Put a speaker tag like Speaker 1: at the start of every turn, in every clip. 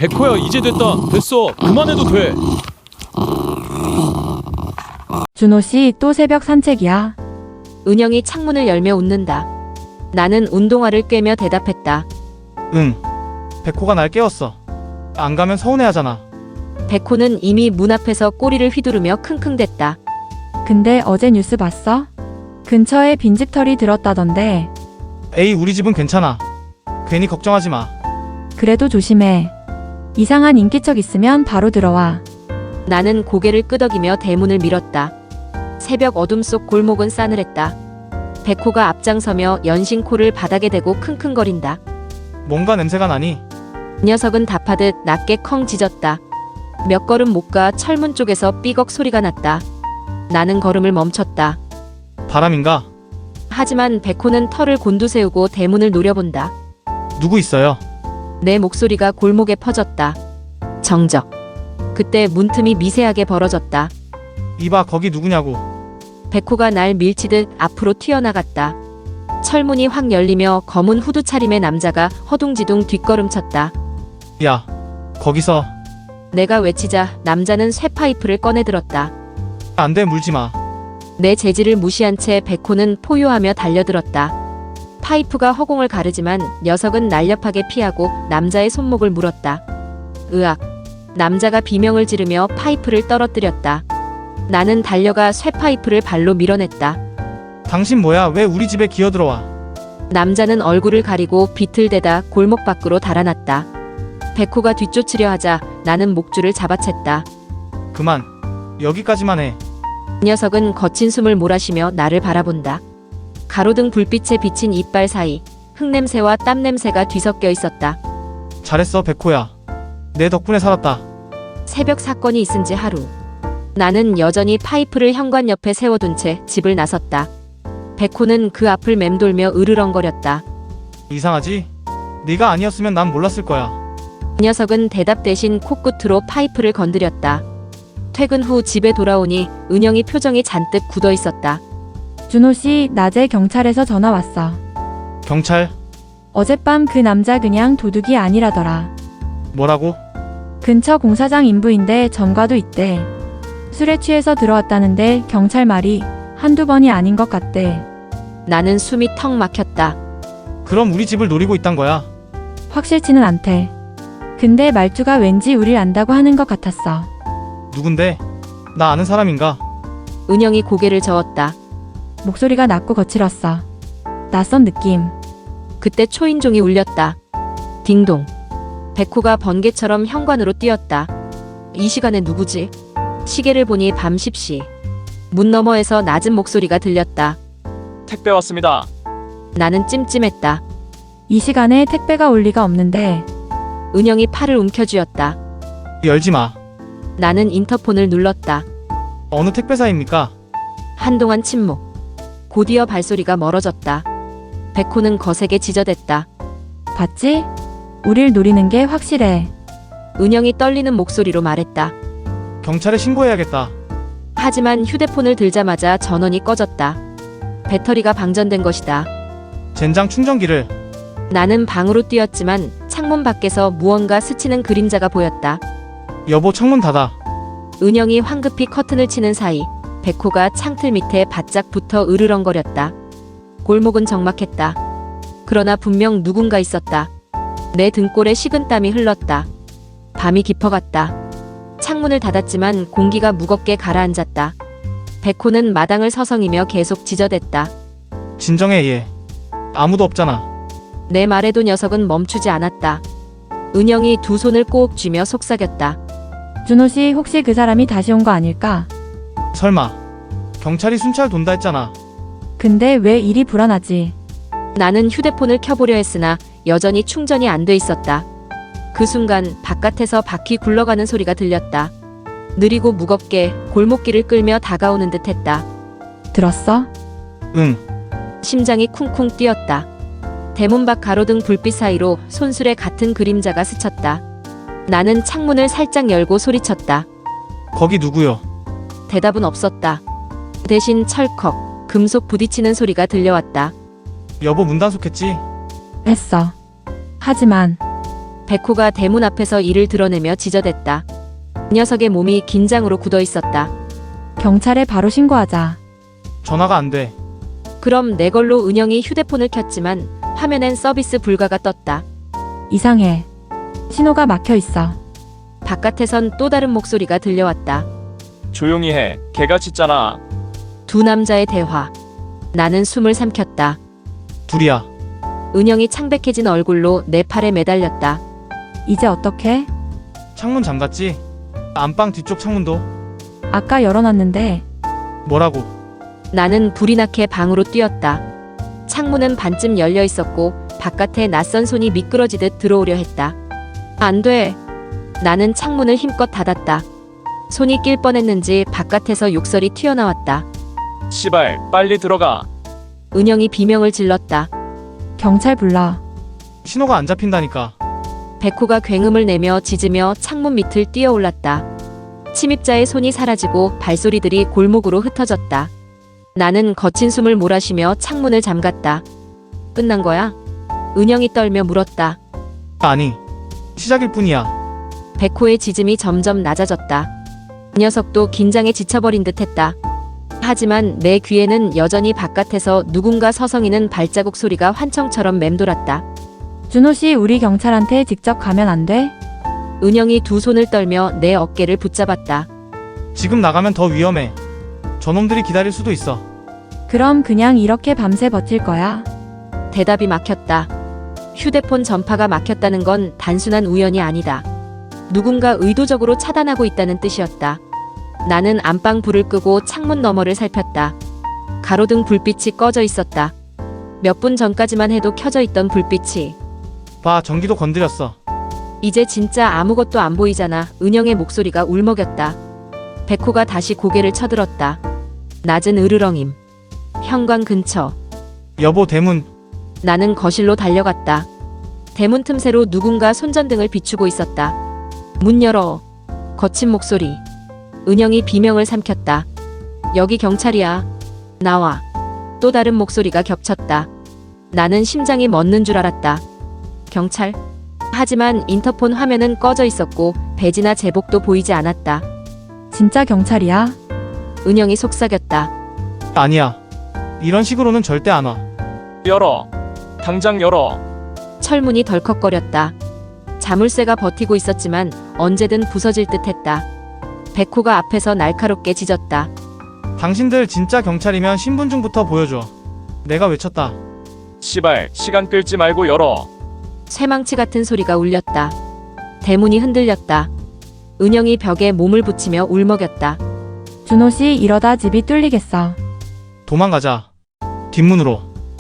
Speaker 1: 백호야, 이제 됐다. 됐어. 그만해도 돼.
Speaker 2: 준호씨 또 새벽 산책이야.
Speaker 3: 은영이 창문을 열며 웃는다. 나는 운동화를 꿰며 대답했다.
Speaker 4: 응. 백호가 날 깨웠어. 안 가면 서운해하잖아.
Speaker 3: 백호는 이미 문 앞에서 꼬리를 휘두르며 킁킁댔다.
Speaker 2: 근데 어제 뉴스 봤어? 근처에 빈집털이 들었다던데.
Speaker 4: 에이, 우리 집은 괜찮아. 괜히 걱정하지 마.
Speaker 2: 그래도 조심해. 이상한 인기척 있으면 바로 들어와.
Speaker 3: 나는 고개를 끄덕이며 대문을 밀었다. 새벽 어둠 속 골목은 싸늘했다. 백호가 앞장서며 연신 코를 바닥에 대고 킁킁거린다.
Speaker 4: 뭔가 냄새가 나니?
Speaker 3: 녀석은 답하듯 낮게 컹 짖었다. 몇 걸음 못 가 철문 쪽에서 삐걱 소리가 났다. 나는 걸음을 멈췄다.
Speaker 4: 바람인가?
Speaker 3: 하지만 백호는 털을 곤두세우고 대문을 노려본다.
Speaker 4: 누구 있어요?
Speaker 3: 내 목소리가 골목에 퍼졌다. 정적. 그때 문틈이 미세하게 벌어졌다.
Speaker 4: 이봐, 거기 누구냐고.
Speaker 3: 백호가 날 밀치듯 앞으로 튀어나갔다. 철문이 확 열리며 검은 후드 차림의 남자가 허둥지둥 뒷걸음쳤다.
Speaker 4: 야, 거기서.
Speaker 3: 내가 외치자 남자는 쇠파이프를 꺼내들었다.
Speaker 4: 안 돼, 물지 마.
Speaker 3: 내 제지를 무시한 채 백호는 포효하며 달려들었다. 파이프가 허공을 가르지만 녀석은 날렵하게 피하고 남자의 손목을 물었다. 으악. 남자가 비명을 지르며 파이프를 떨어뜨렸다. 나는 달려가 쇠파이프를 발로 밀어냈다.
Speaker 4: 당신 뭐야? 왜 우리 집에 기어들어와?
Speaker 3: 남자는 얼굴을 가리고 비틀대다 골목 밖으로 달아났다. 백호가 뒤쫓으려 하자 나는 목줄을 잡아챘다.
Speaker 4: 그만. 여기까지만 해.
Speaker 3: 녀석은 거친 숨을 몰아쉬며 나를 바라본다. 가로등 불빛에 비친 이빨 사이 흙냄새와 땀냄새가 뒤섞여 있었다.
Speaker 4: 잘했어, 백호야. 내 덕분에 살았다.
Speaker 3: 새벽 사건이 있은 지 하루. 나는 여전히 파이프를 현관 옆에 세워둔 채 집을 나섰다. 백호는 그 앞을 맴돌며 으르렁거렸다.
Speaker 4: 이상하지? 네가 아니었으면 난 몰랐을 거야.
Speaker 3: 녀석은 대답 대신 코끝으로 파이프를 건드렸다. 퇴근 후 집에 돌아오니 은영이 표정이 잔뜩 굳어 있었다.
Speaker 2: 준호씨 낮에 경찰에서 전화 왔어.
Speaker 4: 경찰?
Speaker 2: 어젯밤 그 남자 그냥 도둑이 아니라더라.
Speaker 4: 뭐라고?
Speaker 2: 근처 공사장 인부인데 전과도 있대. 술에 취해서 들어왔다는데 경찰 말이 한두 번이 아닌 것 같대.
Speaker 3: 나는 숨이 턱 막혔다.
Speaker 4: 그럼 우리 집을 노리고 있단 거야?
Speaker 2: 확실치는 않대. 근데 말투가 왠지 우릴 안다고 하는 것 같았어.
Speaker 4: 누군데? 나 아는 사람인가?
Speaker 3: 은영이 고개를 저었다.
Speaker 2: 목소리가 낮고 거칠었어. 낯선 느낌.
Speaker 3: 그때 초인종이 울렸다. 딩동. 백호가 번개처럼 현관으로 뛰었다. 이 시간에 누구지? 시계를 보니 밤 10시. 문 너머에서 낮은 목소리가 들렸다.
Speaker 1: 택배 왔습니다.
Speaker 3: 나는 찜찜했다.
Speaker 2: 이 시간에 택배가 올 리가 없는데.
Speaker 3: 은영이 팔을 움켜쥐었다.
Speaker 4: 열지 마.
Speaker 3: 나는 인터폰을 눌렀다.
Speaker 4: 어느 택배사입니까?
Speaker 3: 한동안 침묵. 곧이어 발소리가 멀어졌다. 백호는 거세게 지저댔다.
Speaker 2: 봤지? 우릴 노리는 게 확실해.
Speaker 3: 은영이 떨리는 목소리로 말했다.
Speaker 4: 경찰에 신고해야겠다.
Speaker 3: 하지만 휴대폰을 들자마자 전원이 꺼졌다. 배터리가 방전된 것이다.
Speaker 4: 젠장 충전기를.
Speaker 3: 나는 방으로 뛰었지만 창문 밖에서 무언가 스치는 그림자가 보였다.
Speaker 4: 여보, 창문 닫아.
Speaker 3: 은영이 황급히 커튼을 치는 사이 백호가 창틀 밑에 바짝 붙어 으르렁거렸다. 골목은 적막했다. 그러나 분명 누군가 있었다. 내 등골에 식은땀이 흘렀다. 밤이 깊어갔다. 창문을 닫았지만 공기가 무겁게 가라앉았다. 백호는 마당을 서성이며 계속 지저댔다.
Speaker 4: 진정해, 얘. 아무도 없잖아.
Speaker 3: 내 말에도 녀석은 멈추지 않았다. 은영이 두 손을 꼭 쥐며 속삭였다.
Speaker 2: 준호씨 혹시 그 사람이 다시 온 거 아닐까?
Speaker 4: 설마. 경찰이 순찰 돈다 했잖아.
Speaker 2: 근데 왜 일이 불안하지?
Speaker 3: 나는 휴대폰을 켜보려 했으나 여전히 충전이 안 돼 있었다. 그 순간 바깥에서 바퀴 굴러가는 소리가 들렸다. 느리고 무겁게 골목길을 끌며 다가오는 듯했다.
Speaker 2: 들었어?
Speaker 4: 응.
Speaker 3: 심장이 쿵쿵 뛰었다. 대문 밖 가로등 불빛 사이로 손수레 같은 그림자가 스쳤다. 나는 창문을 살짝 열고 소리쳤다.
Speaker 4: 거기 누구요?
Speaker 3: 대답은 없었다. 대신 철컥 금속 부딪히는 소리가 들려왔다.
Speaker 4: 여보, 문 단속했지?
Speaker 2: 했어. 하지만
Speaker 3: 백호가 대문 앞에서 이를 드러내며 지저댔다. 녀석의 몸이 긴장으로 굳어 있었다.
Speaker 2: 경찰에 바로 신고하자.
Speaker 4: 전화가 안 돼.
Speaker 3: 그럼 내 걸로 은영이 휴대폰을 켰지만 화면엔 서비스 불가가 떴다.
Speaker 2: 이상해. 신호가 막혀 있어.
Speaker 3: 바깥에선 또 다른 목소리가 들려왔다.
Speaker 1: 조용히 해. 개가 짖잖아.
Speaker 3: 두 남자의 대화. 나는 숨을 삼켰다.
Speaker 4: 둘이야.
Speaker 3: 은영이 창백해진 얼굴로 내 팔에 매달렸다.
Speaker 2: 이제 어떡해?
Speaker 4: 창문 잠갔지? 안방 뒤쪽 창문도.
Speaker 2: 아까 열어놨는데.
Speaker 4: 뭐라고?
Speaker 3: 나는 불이 나게 방으로 뛰었다. 창문은 반쯤 열려 있었고 바깥에 낯선 손이 미끄러지듯 들어오려 했다. 안 돼. 나는 창문을 힘껏 닫았다. 손이 낄 뻔했는지 바깥에서 욕설이 튀어나왔다.
Speaker 1: 시발, 빨리 들어가.
Speaker 3: 은영이 비명을 질렀다.
Speaker 2: 경찰 불러.
Speaker 4: 신호가 안 잡힌다니까.
Speaker 3: 백호가 굉음을 내며 짖으며 창문 밑을 뛰어올랐다. 침입자의 손이 사라지고 발소리들이 골목으로 흩어졌다. 나는 거친 숨을 몰아쉬며 창문을 잠갔다. 끝난 거야? 은영이 떨며 물었다.
Speaker 4: 아니. 시작일 뿐이야.
Speaker 3: 백호의 짖음이 점점 낮아졌다. 녀석도 긴장에 지쳐버린 듯 했다. 하지만 내 귀에는 여전히 바깥에서 누군가 서성이는 발자국 소리가 환청처럼 맴돌았다.
Speaker 2: 준호 씨, 우리 경찰한테 직접 가면 안 돼?
Speaker 3: 은영이 두 손을 떨며 내 어깨를 붙잡았다.
Speaker 4: 지금 나가면 더 위험해. 저놈들이 기다릴 수도 있어.
Speaker 2: 그럼 그냥 이렇게 밤새 버틸 거야?
Speaker 3: 대답이 막혔다. 휴대폰 전파가 막혔다는 건 단순한 우연이 아니다. 누군가 의도적으로 차단하고 있다는 뜻이었다. 나는 안방 불을 끄고 창문 너머를 살폈다. 가로등 불빛이 꺼져 있었다. 몇 분 전까지만 해도 켜져 있던 불빛이
Speaker 4: 봐, 전기도 건드렸어.
Speaker 3: 이제 진짜 아무것도 안 보이잖아. 은영의 목소리가 울먹였다. 백호가 다시 고개를 쳐들었다. 낮은 으르렁임. 현관 근처.
Speaker 4: 여보, 대문.
Speaker 3: 나는 거실로 달려갔다. 대문 틈새로 누군가 손전등을 비추고 있었다. 문 열어. 거친 목소리. 은영이 비명을 삼켰다. 여기 경찰이야. 나와. 또 다른 목소리가 겹쳤다. 나는 심장이 멎는 줄 알았다. 경찰? 하지만 인터폰 화면은 꺼져 있었고 배지나 제복도 보이지 않았다.
Speaker 2: 진짜 경찰이야?
Speaker 3: 은영이 속삭였다.
Speaker 4: 아니야. 이런 식으로는 절대 안 와.
Speaker 1: 열어. 당장 열어.
Speaker 3: 철문이 덜컥거렸다. 자물쇠가 버티고 있었지만 언제든 부서질 듯했다. 백호가 앞에서 날카롭게 짖었다.
Speaker 4: 당신들 진짜 경찰이면 신분증부터 보여줘. 내가 외쳤다.
Speaker 1: 시발, 시간 끌지 말고 열어.
Speaker 3: 쇠망치 같은 소리가 울렸다. 대문이 흔들렸다. 은영이 벽에 몸을 붙이며 울먹였다.
Speaker 2: 준호 씨, 이러다 집이 뚫리겠어.
Speaker 4: 도망가자. 뒷문으로.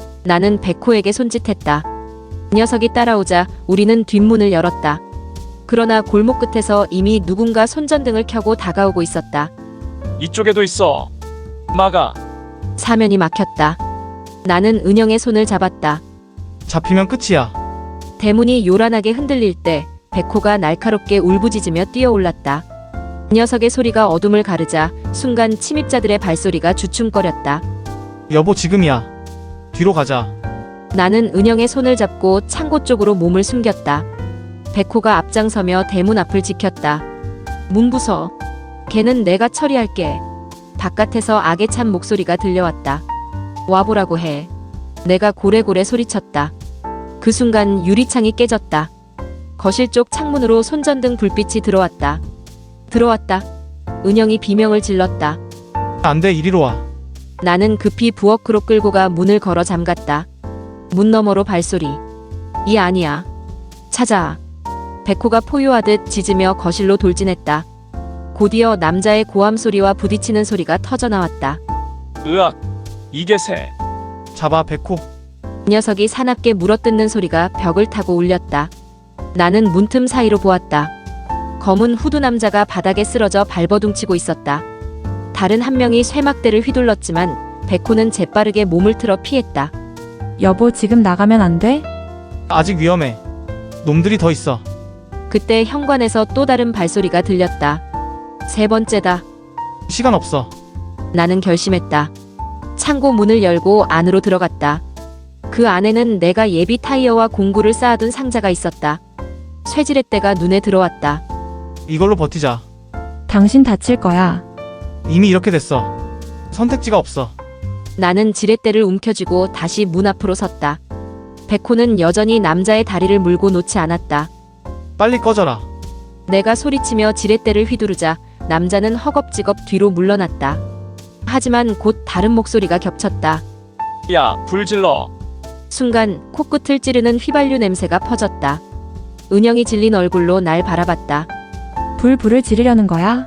Speaker 3: 나는 백호에게 손짓했다. 녀석이 따라오자 우리는 뒷문을 열었다. 그러나 골목 끝에서 이미 누군가 손전등을 켜고 다가오고 있었다.
Speaker 1: 이쪽에도 있어. 막아.
Speaker 3: 사면이 막혔다. 나는 은영의 손을 잡았다.
Speaker 4: 잡히면 끝이야.
Speaker 3: 대문이 요란하게 흔들릴 때 백호가 날카롭게 울부짖으며 뛰어올랐다. 녀석의 소리가 어둠을 가르자 순간 침입자들의 발소리가 주춤거렸다.
Speaker 4: 여보, 지금이야. 뒤로 가자.
Speaker 3: 나는 은영의 손을 잡고 창고 쪽으로 몸을 숨겼다. 백호가 앞장서며 대문 앞을 지켰다. 문 부서. 걔는 내가 처리할게. 바깥에서 악에 찬 목소리가 들려왔다. 와보라고 해. 내가 고래고래 소리쳤다. 그 순간 유리창이 깨졌다. 거실 쪽 창문으로 손전등 불빛이 들어왔다. 들어왔다. 은영이 비명을 질렀다.
Speaker 4: 안 돼, 이리로 와.
Speaker 3: 나는 급히 부엌으로 끌고 가 문을 걸어 잠갔다. 문 너머로 발소리. 이 아니야. 찾아. 백호가 포효하듯 짖으며 거실로 돌진했다. 곧이어 남자의 고함 소리와 부딪히는 소리가 터져나왔다.
Speaker 1: 으악. 이게 새.
Speaker 4: 잡아, 백호.
Speaker 3: 녀석이 사납게 물어뜯는 소리가 벽을 타고 울렸다. 나는 문틈 사이로 보았다. 검은 후드 남자가 바닥에 쓰러져 발버둥치고 있었다. 다른 한 명이 쇠막대를 휘둘렀지만 백호는 재빠르게 몸을 틀어 피했다.
Speaker 2: 여보, 지금 나가면 안 돼?
Speaker 4: 아직 위험해. 놈들이 더 있어.
Speaker 3: 그때 현관에서 또 다른 발소리가 들렸다. 세 번째다.
Speaker 4: 시간 없어.
Speaker 3: 나는 결심했다. 창고 문을 열고 안으로 들어갔다. 그 안에는 내가 예비 타이어와 공구를 쌓아둔 상자가 있었다. 쇠지렛대가 눈에 들어왔다.
Speaker 4: 이걸로 버티자.
Speaker 2: 당신 다칠 거야.
Speaker 4: 이미 이렇게 됐어. 선택지가 없어.
Speaker 3: 나는 지렛대를 움켜쥐고 다시 문 앞으로 섰다. 백호는 여전히 남자의 다리를 물고 놓지 않았다.
Speaker 4: 빨리 꺼져라.
Speaker 3: 내가 소리치며 지렛대를 휘두르자 남자는 허겁지겁 뒤로 물러났다. 하지만 곧 다른 목소리가 겹쳤다.
Speaker 1: 야, 불 질러.
Speaker 3: 순간 코끝을 찌르는 휘발유 냄새가 퍼졌다. 은영이 질린 얼굴로 날 바라봤다.
Speaker 2: 불을 지르려는 거야?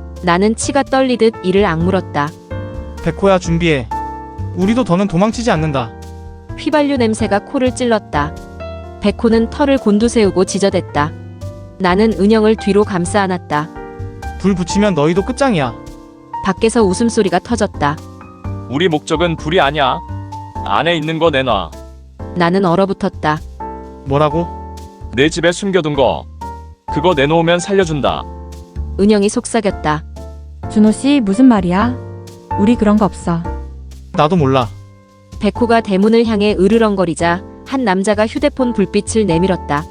Speaker 3: 나는 치가 떨리듯 이를 악물었다.
Speaker 4: 백호야, 준비해. 우리도 더는 도망치지 않는다.
Speaker 3: 휘발유 냄새가 코를 찔렀다. 백호는 털을 곤두세우고 지저댔다. 나는 은영을 뒤로 감싸 안았다.
Speaker 4: 불 붙이면 너희도 끝장이야.
Speaker 3: 밖에서 웃음소리가 터졌다.
Speaker 1: 우리 목적은 불이 아니야. 안에 있는 거 내놔.
Speaker 3: 나는 얼어붙었다.
Speaker 4: 뭐라고?
Speaker 1: 내 집에 숨겨둔 거. 그거 내놓으면 살려준다.
Speaker 3: 은영이 속삭였다.
Speaker 2: 준호 씨 무슨 말이야? 우리 그런 거 없어.
Speaker 4: 나도 몰라.
Speaker 3: 백호가 대문을 향해 으르렁거리자 한 남자가 휴대폰 불빛을 내밀었다.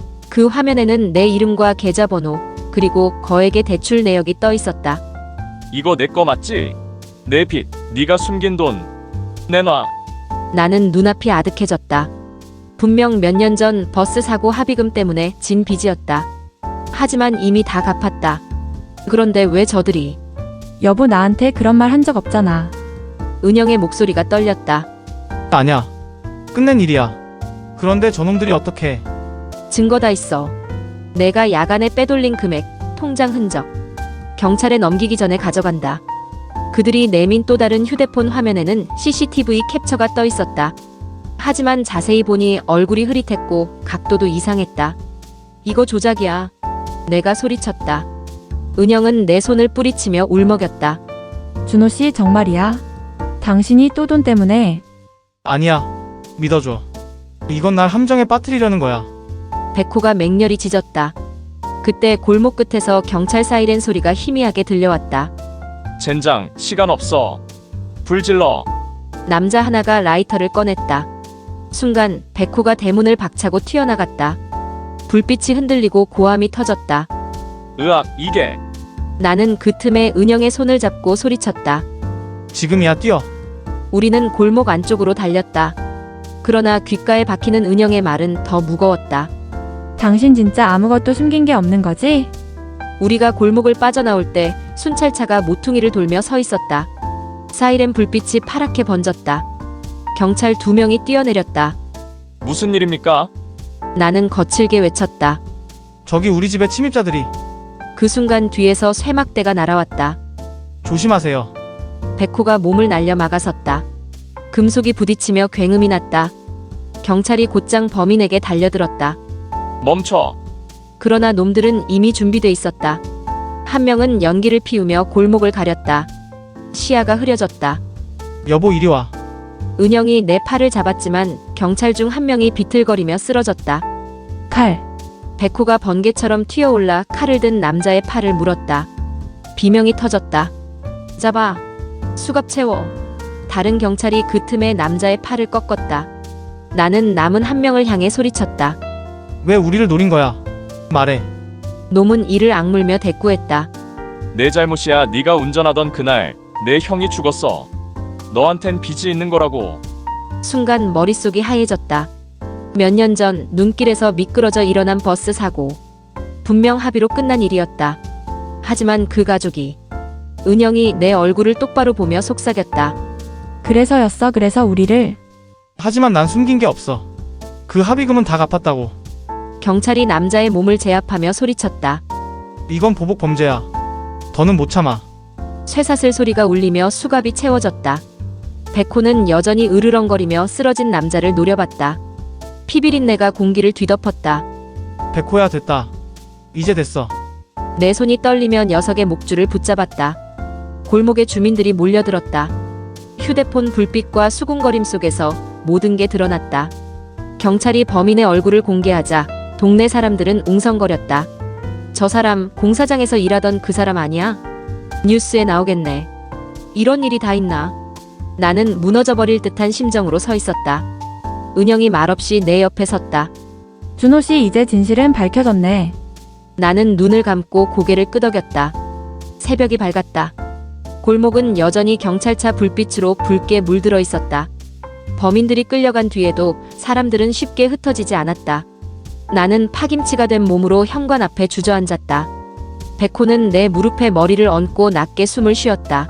Speaker 3: 그 화면에는 내 이름과 계좌번호 그리고 거액의 대출 내역이 떠 있었다.
Speaker 1: 이거 내 거 맞지? 내 빚, 네가 숨긴 돈. 내놔.
Speaker 3: 나는 눈앞이 아득해졌다. 분명 몇 년 전 버스 사고 합의금 때문에 진 빚이었다. 하지만 이미 다 갚았다. 그런데 왜 저들이?
Speaker 2: 여보 나한테 그런 말 한 적 없잖아.
Speaker 3: 은영의 목소리가 떨렸다.
Speaker 4: 아니야. 끝낸 일이야. 그런데 저놈들이 어떻게?
Speaker 3: 증거 다 있어. 내가 야간에 빼돌린 금액, 통장 흔적. 경찰에 넘기기 전에 가져간다. 그들이 내민 또 다른 휴대폰 화면에는 CCTV 캡처가 떠 있었다. 하지만 자세히 보니 얼굴이 흐릿했고 각도도 이상했다. 이거 조작이야. 내가 소리쳤다. 은영은 내 손을 뿌리치며 울먹였다.
Speaker 2: 준호 씨 정말이야? 당신이 또 돈 때문에.
Speaker 4: 아니야. 믿어줘. 이건 날 함정에 빠뜨리려는 거야.
Speaker 3: 백호가 맹렬히 짖었다. 그때 골목 끝에서 경찰 사이렌 소리가 희미하게 들려왔다.
Speaker 1: 젠장, 시간 없어. 불 질러.
Speaker 3: 남자 하나가 라이터를 꺼냈다. 순간 백호가 대문을 박차고 튀어나갔다. 불빛이 흔들리고 고함이 터졌다.
Speaker 1: 으악, 이게.
Speaker 3: 나는 그 틈에 은영의 손을 잡고 소리쳤다.
Speaker 4: 지금이야, 뛰어.
Speaker 3: 우리는 골목 안쪽으로 달렸다. 그러나 귓가에 박히는 은영의 말은 더 무거웠다.
Speaker 2: 당신 진짜 아무것도 숨긴 게 없는 거지?
Speaker 3: 우리가 골목을 빠져나올 때 순찰차가 모퉁이를 돌며 서 있었다. 사이렌 불빛이 파랗게 번졌다. 경찰 2명이 뛰어내렸다.
Speaker 1: 무슨 일입니까?
Speaker 3: 나는 거칠게 외쳤다.
Speaker 4: 저기 우리 집에 침입자들이.
Speaker 3: 그 순간 뒤에서 쇠막대가 날아왔다.
Speaker 4: 조심하세요.
Speaker 3: 백호가 몸을 날려 막아섰다. 금속이 부딪히며 굉음이 났다. 경찰이 곧장 범인에게 달려들었다.
Speaker 1: 멈춰.
Speaker 3: 그러나 놈들은 이미 준비돼 있었다. 한 명은 연기를 피우며 골목을 가렸다. 시야가 흐려졌다.
Speaker 4: 여보, 이리 와.
Speaker 3: 은영이 내 팔을 잡았지만 경찰 중 한 명이 비틀거리며 쓰러졌다.
Speaker 2: 칼.
Speaker 3: 백호가 번개처럼 튀어올라 칼을 든 남자의 팔을 물었다. 비명이 터졌다. 잡아. 수갑 채워. 다른 경찰이 그 틈에 남자의 팔을 꺾었다. 나는 남은 한 명을 향해 소리쳤다.
Speaker 4: 왜 우리를 노린 거야? 말해.
Speaker 3: 놈은 이를 악물며 대꾸했다.
Speaker 1: 내 잘못이야. 네가 운전하던 그날 내 형이 죽었어. 너한텐 빚이 있는 거라고.
Speaker 3: 순간 머릿속이 하얘졌다. 몇 년 전 눈길에서 미끄러져 일어난 버스 사고. 분명 합의로 끝난 일이었다. 하지만 그 가족이. 은영이 내 얼굴을 똑바로 보며 속삭였다.
Speaker 2: 그래서였어. 그래서 우리를.
Speaker 4: 하지만 난 숨긴 게 없어. 그 합의금은 다 갚았다고.
Speaker 3: 경찰이 남자의 몸을 제압하며 소리쳤다.
Speaker 4: 이건 보복 범죄야. 더는 못 참아.
Speaker 3: 쇠사슬 소리가 울리며 수갑이 채워졌다. 백호는 여전히 으르렁거리며 쓰러진 남자를 노려봤다. 피비린내가 공기를 뒤덮었다.
Speaker 4: 백호야, 됐다. 이제 됐어.
Speaker 3: 내 손이 떨리며 녀석의 목줄을 붙잡았다. 골목에 주민들이 몰려들었다. 휴대폰 불빛과 수군거림 속에서 모든 게 드러났다. 경찰이 범인의 얼굴을 공개하자 동네 사람들은 웅성거렸다. 저 사람 공사장에서 일하던 그 사람 아니야? 뉴스에 나오겠네. 이런 일이 다 있나? 나는 무너져버릴 듯한 심정으로 서 있었다. 은영이 말없이 내 옆에 섰다.
Speaker 2: 준호 씨 이제 진실은 밝혀졌네.
Speaker 3: 나는 눈을 감고 고개를 끄덕였다. 새벽이 밝았다. 골목은 여전히 경찰차 불빛으로 붉게 물들어 있었다. 범인들이 끌려간 뒤에도 사람들은 쉽게 흩어지지 않았다. 나는 파김치가 된 몸으로 현관 앞에 주저앉았다. 백호는 내 무릎에 머리를 얹고 낮게 숨을 쉬었다.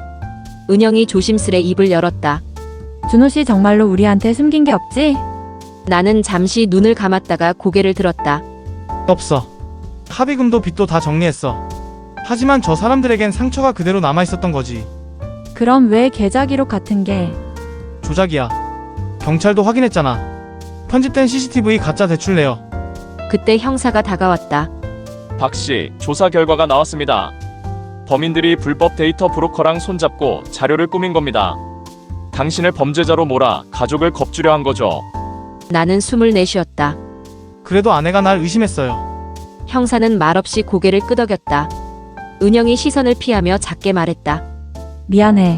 Speaker 3: 은영이 조심스레 입을 열었다.
Speaker 2: 준호 씨 정말로 우리한테 숨긴 게 없지?
Speaker 3: 나는 잠시 눈을 감았다가 고개를 들었다.
Speaker 4: 없어. 합의금도 빚도 다 정리했어. 하지만 저 사람들에겐 상처가 그대로 남아있었던 거지.
Speaker 2: 그럼 왜 계좌 기록 같은 게?
Speaker 4: 조작이야. 경찰도 확인했잖아. 편집된 CCTV 가짜 대출 내역.
Speaker 3: 그때 형사가 다가왔다.
Speaker 1: 박씨, 조사 결과가 나왔습니다. 범인들이 불법 데이터 브로커랑 손잡고 자료를 꾸민 겁니다. 당신을 범죄자로 몰아 가족을 겁주려 한 거죠.
Speaker 3: 나는 숨을 내쉬었다.
Speaker 4: 그래도 아내가 날 의심했어요.
Speaker 3: 형사는 말없이 고개를 끄덕였다. 은영이 시선을 피하며 작게 말했다.
Speaker 2: 미안해.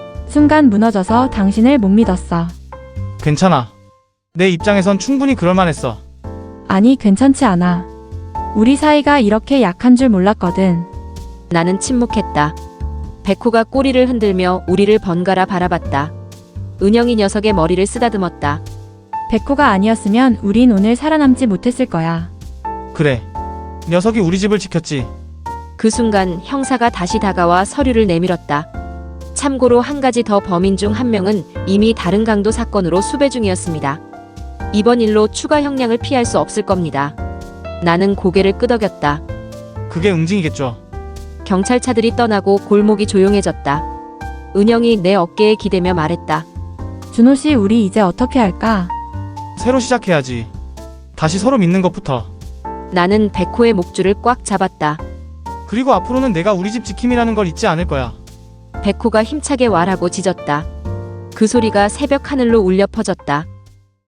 Speaker 2: 순간 무너져서 당신을 못 믿었어.
Speaker 4: 괜찮아. 내 입장에선 충분히 그럴만했어.
Speaker 2: 아니, 괜찮지 않아. 우리 사이가 이렇게 약한 줄 몰랐거든.
Speaker 3: 나는 침묵했다. 백호가 꼬리를 흔들며 우리를 번갈아 바라봤다. 은영이 녀석의 머리를 쓰다듬었다.
Speaker 2: 백호가 아니었으면 우린 오늘 살아남지 못했을 거야.
Speaker 4: 그래. 녀석이 우리 집을 지켰지.
Speaker 3: 그 순간 형사가 다시 다가와 서류를 내밀었다. 참고로 한 가지 더 범인 중 한 명은 이미 다른 강도 사건으로 수배 중이었습니다. 이번 일로 추가 형량을 피할 수 없을 겁니다. 나는 고개를 끄덕였다.
Speaker 4: 그게 응징이겠죠.
Speaker 3: 경찰차들이 떠나고 골목이 조용해졌다. 은영이 내 어깨에 기대며 말했다.
Speaker 2: 준호 씨, 우리 이제 어떻게 할까?
Speaker 4: 새로 시작해야지. 다시 서로 믿는 것부터.
Speaker 3: 나는 백호의 목줄을 꽉 잡았다.
Speaker 4: 그리고 앞으로는 내가 우리 집 지킴이라는 걸 잊지 않을 거야.
Speaker 3: 백호가 힘차게 말하고 짖었다. 그 소리가 새벽 하늘로 울려 퍼졌다.